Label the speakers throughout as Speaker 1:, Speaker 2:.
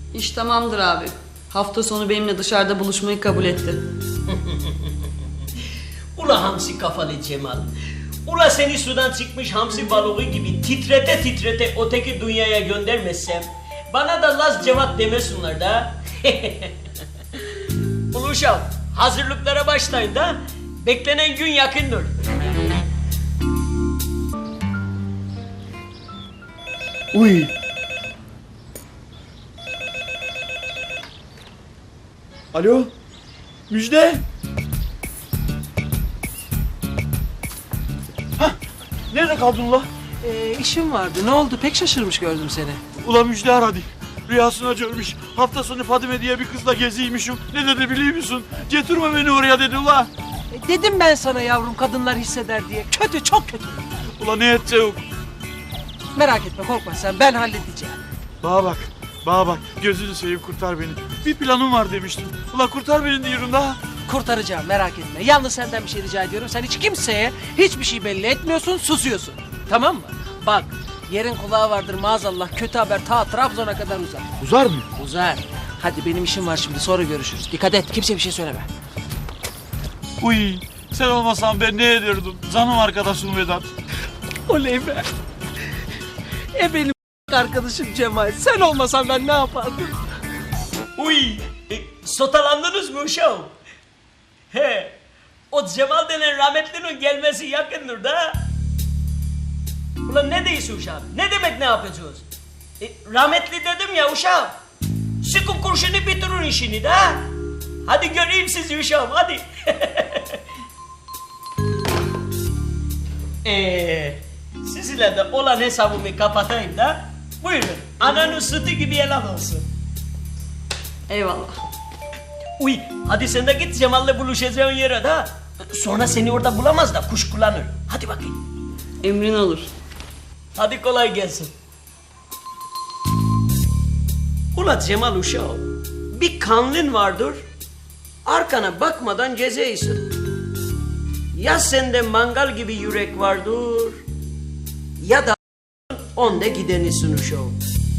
Speaker 1: İş tamamdır abi. Hafta sonu benimle dışarıda buluşmayı kabul etti.
Speaker 2: Ula hamsi kafalı Cemal. Ula seni sudan çıkmış hamsi balığı gibi titrete titrete öteki dünyaya göndermezsem bana da Laz Cevat demesinler da. Uşağım hazırlıklara başlayın da beklenen gün yakındır.
Speaker 3: Uy. Alo. Müjde. Hah. Nerede kaldın ula?
Speaker 4: İşim vardı. Ne oldu? Pek şaşırmış gördüm seni.
Speaker 3: Ula Müjde aradı. Rüyasına görmüş. Hafta sonu Fadime diye bir kızla geziymişim. Ne dedi biliyor musun? Getirme beni oraya dedi ula.
Speaker 4: Dedim ben sana yavrum kadınlar hisseder diye. Kötü, çok kötü.
Speaker 3: Ula ne edeceğim?
Speaker 4: Merak etme, korkma sen. Ben halledeceğim.
Speaker 3: Bana bak. Bana bak. Gözünü seveyim kurtar beni. Bir planım var demiştim. Ula kurtar beni diyorum da.
Speaker 4: Kurtaracağım, merak etme. Yalnız senden bir şey rica ediyorum. Sen hiç kimseye hiçbir şey belli etmiyorsun, susuyorsun. Tamam mı? Bak, yerin kulağı vardır maazallah. Kötü haber ta Trabzon'a kadar uzar.
Speaker 3: Uzar mı?
Speaker 4: Uzar. Hadi benim işim var şimdi, sonra görüşürüz. Dikkat et, kimseye bir şey söyleme.
Speaker 3: Uy. Sen olmasan ben ne ederdim? Canım arkadaşım Vedat.
Speaker 4: Oley be. Benim arkadaşım Cemal. Sen olmasan ben ne yapardım?
Speaker 2: Uy, sotalandınız mı uşağım? He, o Cemal denen rahmetlinin gelmesi yakındır da. Ulan ne diyorsun uşağım? Ne demek ne yapacağız? Rahmetli dedim ya uşağım. Sıkın kurşunu bitirin işini de. Hadi göreyim sizi uşağım hadi. Sizinle de olan hesabımı kapatayım da. Buyurun ananın sütü gibi helal olsun.
Speaker 1: Eyvallah.
Speaker 2: Uy hadi sen de git Cemal'le buluşacağın yere de. Sonra seni orada bulamaz da kuşkulanır. Hadi bakayım.
Speaker 1: Emrin olur.
Speaker 2: Hadi kolay gelsin. Ula Cemal uşağım, bir kanlın vardır, arkana bakmadan gezeysin. Ya sende mangal gibi yürek vardır, ya da onda gidenisin uşağım.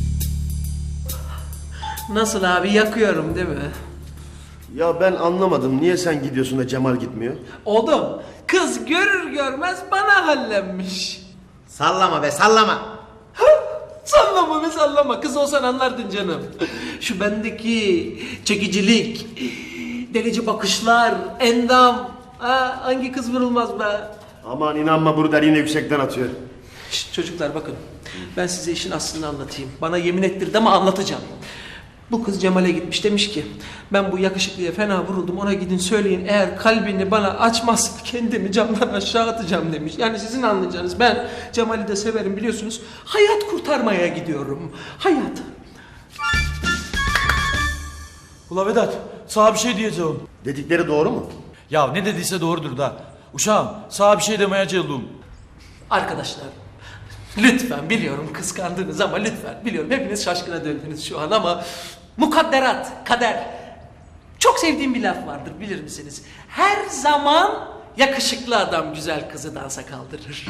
Speaker 4: Nasıl abi, yakıyorum değil mi?
Speaker 5: Ya ben anlamadım. Niye sen gidiyorsun da Cemal gitmiyor?
Speaker 4: Oğlum, kız görür görmez bana hallenmiş.
Speaker 6: Sallama be sallama.
Speaker 4: Sallama be sallama, kız olsan anlardın canım. Şu bendeki çekicilik, delici bakışlar, endam. Ha, hangi kız vurulmaz be?
Speaker 5: Aman inanma burada yine yüksekten atıyor.
Speaker 4: Şişt, çocuklar bakın, ben size işin aslını anlatayım. Bana yemin ettirdi ama anlatacağım. Bu kız Cemal'e gitmiş, demiş ki ben bu yakışıklıya fena vuruldum, ona gidin söyleyin eğer kalbini bana açmazsa kendimi camdan aşağı atacağım demiş. Yani sizin anlayacağınız, ben Cemal'i de severim biliyorsunuz, hayat kurtarmaya gidiyorum. Hayat.
Speaker 3: Ula Vedat, sana bir şey diyeceğim.
Speaker 5: Dedikleri doğru mu?
Speaker 3: Ya ne dediyse doğrudur da. Uşağım, sana bir şey demeye geldim.
Speaker 4: Arkadaşlar, lütfen, biliyorum kıskandınız ama lütfen, biliyorum hepiniz şaşkına döndünüz şu an ama mukadderat, kader. Çok sevdiğim bir laf vardır, bilir misiniz? Her zaman yakışıklı adam güzel kızı dansa kaldırır.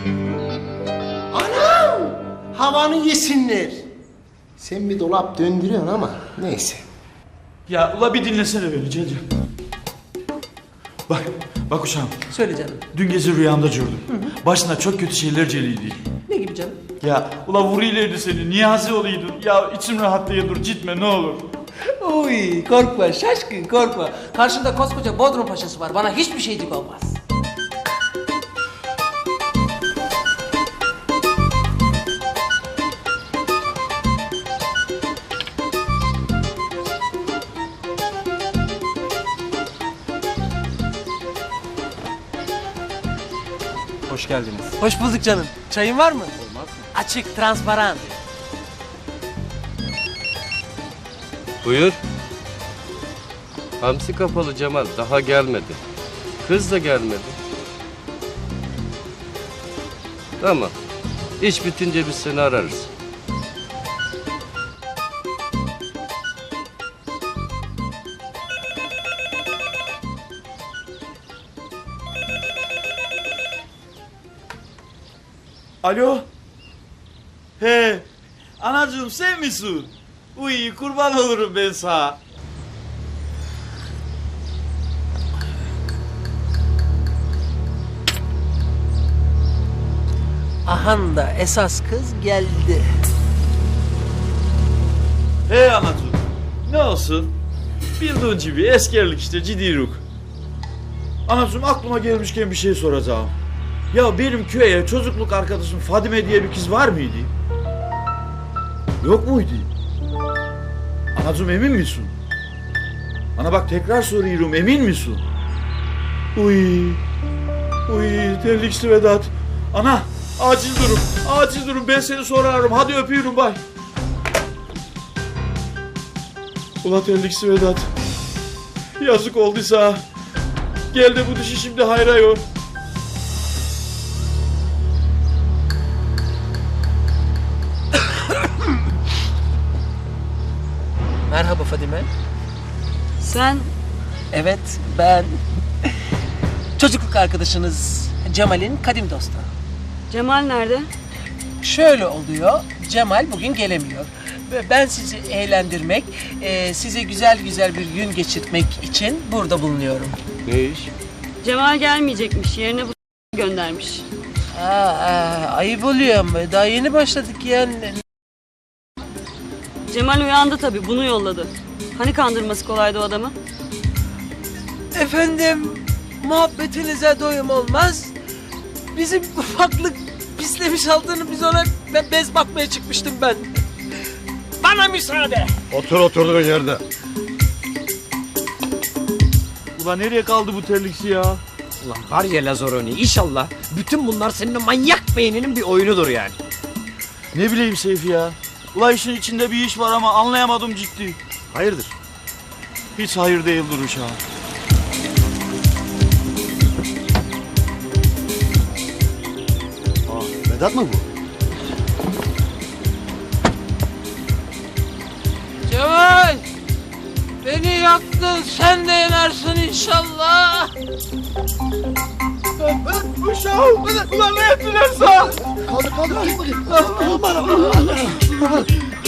Speaker 6: Anam! Havanı yesinler. Sen bir dolap döndürüyorsun ama neyse.
Speaker 3: Ya ula bir dinlesene beni Cece. Bak uşağım.
Speaker 4: Söyle canım.
Speaker 3: Dün gece rüyamda gördüm. Başına çok kötü şeyler geliydi.
Speaker 4: Ne gibi canım?
Speaker 3: Ya ula vuruyorlardı seni, Niyazi oluydun. Ya içim rahatlaya dur, gitme ne olur.
Speaker 4: Uy, korkma şaşkın, korkma. Karşında koskoca Bodrum Paşası var, bana hiçbir şeycik olmaz.
Speaker 7: Hoş geldiniz.
Speaker 4: Hoş bulduk canım. Çayın var mı? Olmaz mı? Açık, transparan.
Speaker 8: Buyur. Hamsi kapalı Cemal daha gelmedi. Kız da gelmedi. Tamam. İş bitince biz seni ararız.
Speaker 3: Alo. He. Anacığım sen misin? Uy kurban olurum ben sana.
Speaker 4: Ahan da esas kız geldi.
Speaker 3: Hey anacığım. Ne olsun? Bildiğin gibi eskerlik işte cidiruk. Anacığım aklıma gelmişken bir şey soracağım. Ya benim köye çocukluk arkadaşım Fadime diye bir kız var mıydı? Yok muydu? Anacığım emin misin? Ana bak tekrar soruyorum emin misin? Uy. Uy terlikli Vedat. Ana acil durum ben seni sorarım hadi öpüyorum bay. Ula terlikli Vedat. Yazık olduysa. Gel de bu dişi şimdi hayra yor.
Speaker 4: Merhaba Fadime.
Speaker 1: Sen
Speaker 4: Evet ben. Çocukluk arkadaşınız Cemal'in kadim dostu.
Speaker 1: Cemal nerede?
Speaker 4: Şöyle oluyor, Cemal bugün gelemiyor. Ve ben sizi eğlendirmek, size güzel güzel bir gün geçirtmek için burada bulunuyorum.
Speaker 8: Ne iş?
Speaker 1: Cemal gelmeyecekmiş. Yerine bu göndermiş.
Speaker 4: Ayıp oluyor ama daha yeni başladık yani.
Speaker 1: Cemal uyandı tabii. Bunu yolladı. Hani kandırması kolaydı o adamı?
Speaker 4: Efendim, muhabbetinize doyum olmaz. Bizim ufaklık pislemiş altını biz ona bez bakmaya çıkmıştım ben. Bana müsaade.
Speaker 5: Otur oturduğun yerde.
Speaker 3: Ulan nereye kaldı bu terliksi ya?
Speaker 9: Ulan var ya Lazaroni inşallah bütün bunlar senin o manyak beyninin bir oyunudur yani.
Speaker 3: Ne bileyim Seyfi ya. Ulan işin içinde bir iş var ama anlayamadım ciddi.
Speaker 5: Hayırdır?
Speaker 3: Hiç hayır değildir uşağım.
Speaker 5: Vedat mı bu?
Speaker 4: Cemal! Beni yaktın, sen de yenersin inşallah.
Speaker 3: Uşağım! Ulan ne ettiler sana?
Speaker 5: Kaldır kaldır. Çık bakayım.